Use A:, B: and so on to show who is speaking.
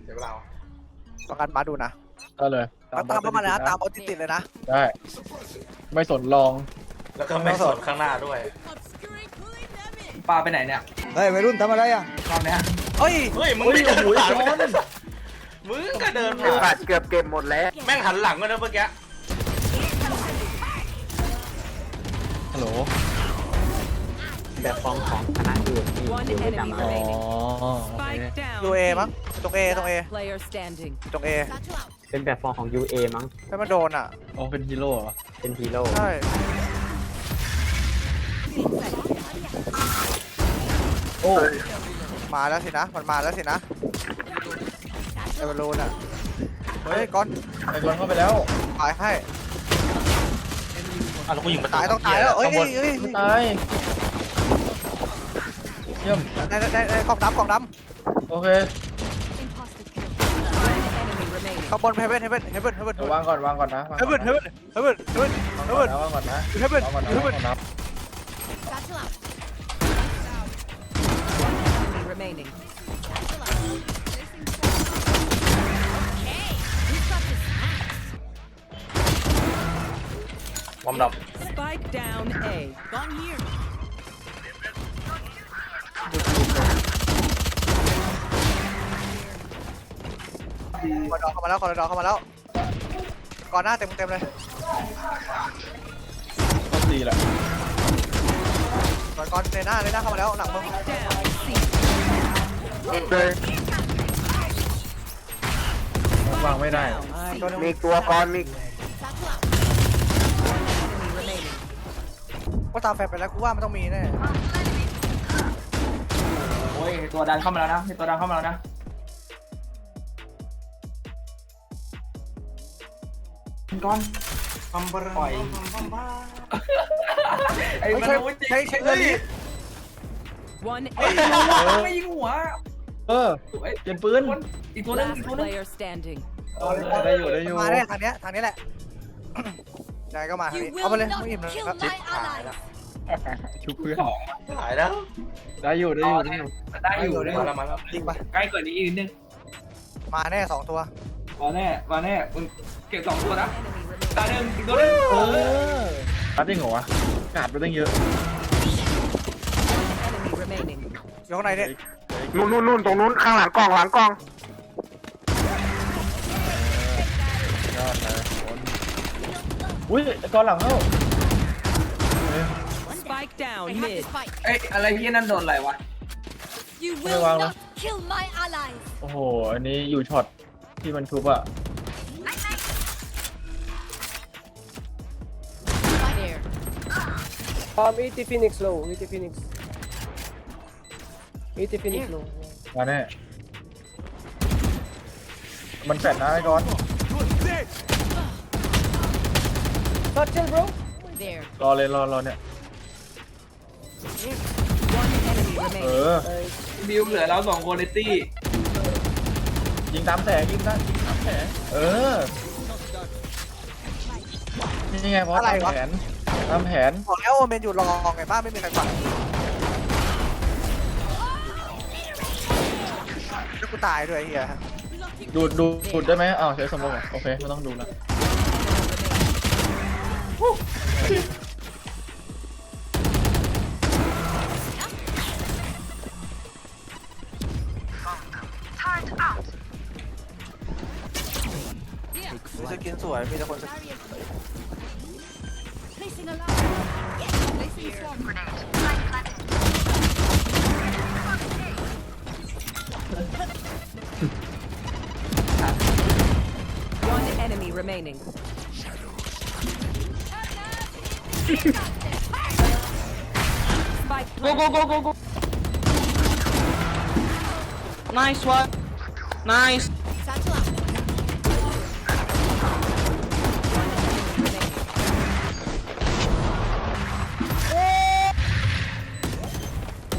A: เดี๋ยวเรา
B: ประกันมาดูนะ
C: ได้เลย
B: ตามเข้ามาเลยนะตามบอลติดเลยนะ
C: ได้ไม่สนลอง
A: แล้วก็ไม่สนข้างหน้าด้วย
D: ปลาไปไหนเนี่ย
E: เฮ้ยวัยรุ่นทำอะไรอ่ะ
D: รอบเนี้ย
B: เฮ้ย
A: มึงไม่เดินผ่านมึงก็เดินผ่าน
E: เกือบเก็บหมดแล้ว
A: แม่งหันหลังกันนะเมื่อกี้
C: ฮัลโหล
E: แบบฟอร์มของคณะอื่นที่อยู่ประจำเลย
B: ยูเอมั้งตรงเอตรงเอตรงเอ
E: เป็นแบบฟอร์มของ UA มั้ง
B: ให้มันโดนอ่ะ
C: อ๋อเป็นฮีโร่เหรอ
E: เป็นฮีโร่
B: ใช่
C: โอ้
B: มาแล้วสินะมันมาแล้วสินะไอ้บอลลูนอ่ะเฮ้ยก้อน
C: ไอ้บอลเข้าไปแล้ว
B: ตายให้
A: แล้วกูยิงมา
B: ตายต้องตายแล้วเอ้ย
C: ตายเยี่ยม
B: ได้กล่องดำ
C: โอเค
B: ข้างบนเฮเว่น
C: วางก่อนนะ
B: เฮเว่น
C: วางก่อนนะ
B: เฮเว่น
C: นับ
A: วอร์มดับ
B: คอร์ดอเข้ามาแล้วก่อนหน้าเต็มเลย
C: ต้องดีแหละ
B: ก่อนในหน้าเข้ามาแล้วหลังมึง
C: วางไม่ได้
E: มีตัวกรมี
B: ก็ตามแฟนไปแล้วกูว่ามันต้องมีแน่
D: โอ้ยตัวดันเข้ามาแล้วนะตัวดันเข้ามาแล้วนะก้อนปล่อยไอ้มัน
B: ใช้เรื่องนี้
D: ไม่ยิงหัว
C: เปลี่ยนปืน
D: อีกตัวนึง
C: ได้อยู่
B: มาได้ทางนี้แหละนายก็มาเอาไปเลยไม่อิ่มเลย
C: ชุบเพื่อน
A: หายแล้ว
C: ได้อยู่
D: มาแล้ว
B: จริงปะ
D: ใกล้กว่านี้อีกนิดนึง
B: มาแน่2ตัว
D: มาแน่มึงเก็บ2ตัวนะตาหนึ่งอีกตัวนึง
C: ตัดได้เหรอวะกาดไปตั้งเยอะ
B: อยู่ข้างในเนี่ย
E: นู่นตรงนู้นข้างหลังกล้อง
C: ยอดเลยอุ้ยก่อนหลังเข้า
D: เอ้ยอะไรพี่นั่นโดนอะไรวะ
C: ไม่วางแล้วโอ้โหอันนี้อยู่ช็อตที่มันทุบอะ
F: 80 Phoenix low 80 Phoenix 80 low
C: มาแน่มันแฟดนะไอ้ก้อน
F: Touch bro
C: รอเลยรอเนี่ย
D: บิวเหลือเรา2คนในตี้
C: ยิงตามแสงนี่ไงเพราะตามแผน
B: บอกแล้วโอเมนอยู่รอไงบ้านไม่มีใครฟังแล้วกูตายด้วยเฮีย
C: ดูดได้ไหมอ้าวใช้สมองโอเคไม่ต้องดูแล้ว
B: สกินสวยมีแต่คนสกิน
F: Go nice one nice